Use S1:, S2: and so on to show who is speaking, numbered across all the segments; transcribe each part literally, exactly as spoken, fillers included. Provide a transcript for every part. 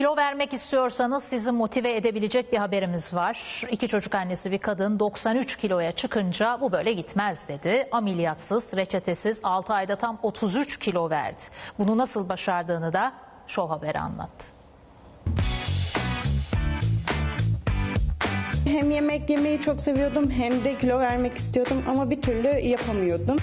S1: Kilo vermek istiyorsanız sizi motive edebilecek bir haberimiz var. İki çocuk annesi bir kadın doksan üç kiloya çıkınca bu böyle gitmez dedi. Ameliyatsız, reçetesiz altı ayda tam otuz üç kilo verdi. Bunu nasıl başardığını da Show Haber anlattı.
S2: Hem yemek yemeyi çok seviyordum hem de kilo vermek istiyordum ama bir türlü yapamıyordum.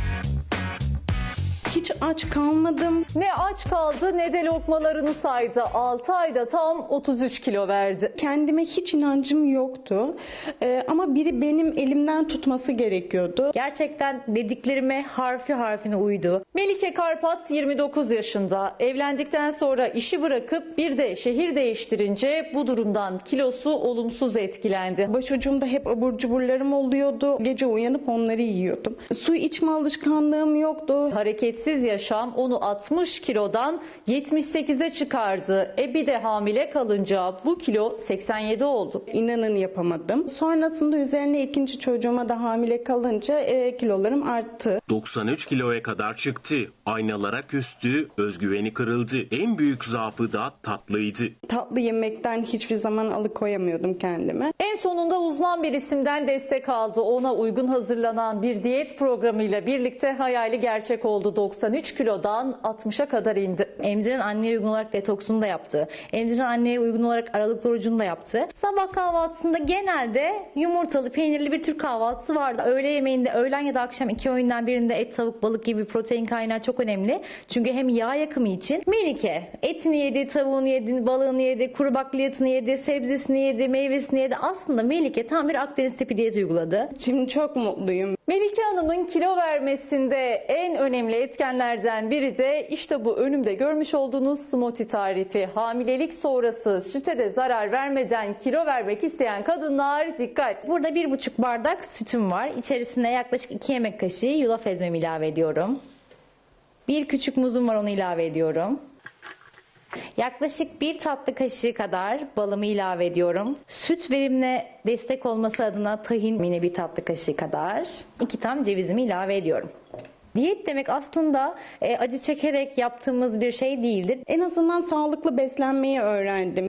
S2: Hiç aç kalmadım.
S3: Ne aç kaldı ne de lokmalarını saydı. altı ayda tam otuz üç kilo verdi.
S2: Kendime hiç inancım yoktu. Ee, ama biri benim elimden tutması gerekiyordu.
S4: Gerçekten dediklerime harfi harfine uydu.
S3: Melike Karpat yirmi dokuz yaşında. Evlendikten sonra işi bırakıp bir de şehir değiştirince bu durumdan kilosu olumsuz etkilendi.
S2: Başucumda hep abur cuburlarım oluyordu. Gece uyanıp onları yiyordum. Su içme alışkanlığım yoktu.
S3: Hareketsiz yaşam onu altmış kilodan yetmiş sekize çıkardı. E bir de hamile kalınca bu kilo seksen yedi oldu.
S2: İnanın yapamadım. Sonrasında üzerine ikinci çocuğuma da hamile kalınca e, kilolarım arttı.
S5: doksan üç kiloya kadar çıktı. Aynalara küstü, özgüveni kırıldı. En büyük zaafı da tatlıydı.
S2: Tatlı yemekten hiçbir zaman alıkoyamıyordum kendimi.
S3: En sonunda uzman bir isimden destek aldı. Ona uygun hazırlanan bir diyet programıyla birlikte hayali gerçek oldu. doksan üç kilodan altmışa kadar indi.
S4: Emziren anneye uygun olarak detoksunu da yaptı. Emziren anneye uygun olarak aralıklı orucunu da yaptı. Sabah kahvaltısında genelde yumurtalı, peynirli bir Türk kahvaltısı vardı. Öğle yemeğinde, öğlen ya da akşam iki öğünden birinde et, tavuk, balık gibi protein kaynağı çok önemli. Çünkü hem yağ yakımı için Melike etini yedi, tavuğunu yedi, balığını yedi, kuru bakliyatını yedi, sebzesini yedi, meyvesini yedi. Aslında Melike tam bir Akdeniz tipi diyet uyguladı.
S2: Şimdi çok mutluyum.
S3: Melike Hanım'ın kilo vermesinde en önemli etkenlerden biri de işte bu önümde görmüş olduğunuz smoothie tarifi. Hamilelik sonrası süte de zarar vermeden kilo vermek isteyen kadınlar dikkat.
S4: Burada bir buçuk bardak sütüm var. İçerisine yaklaşık iki yemek kaşığı yulaf ezmemi ilave ediyorum. Bir küçük muzum var, onu ilave ediyorum. Yaklaşık bir tatlı kaşığı kadar balımı ilave ediyorum. Süt verimine destek olması adına tahin yine bir tatlı kaşığı kadar. iki tam cevizimi ilave ediyorum. Diyet demek aslında e, acı çekerek yaptığımız bir şey değildir.
S2: En azından sağlıklı beslenmeyi öğrendim.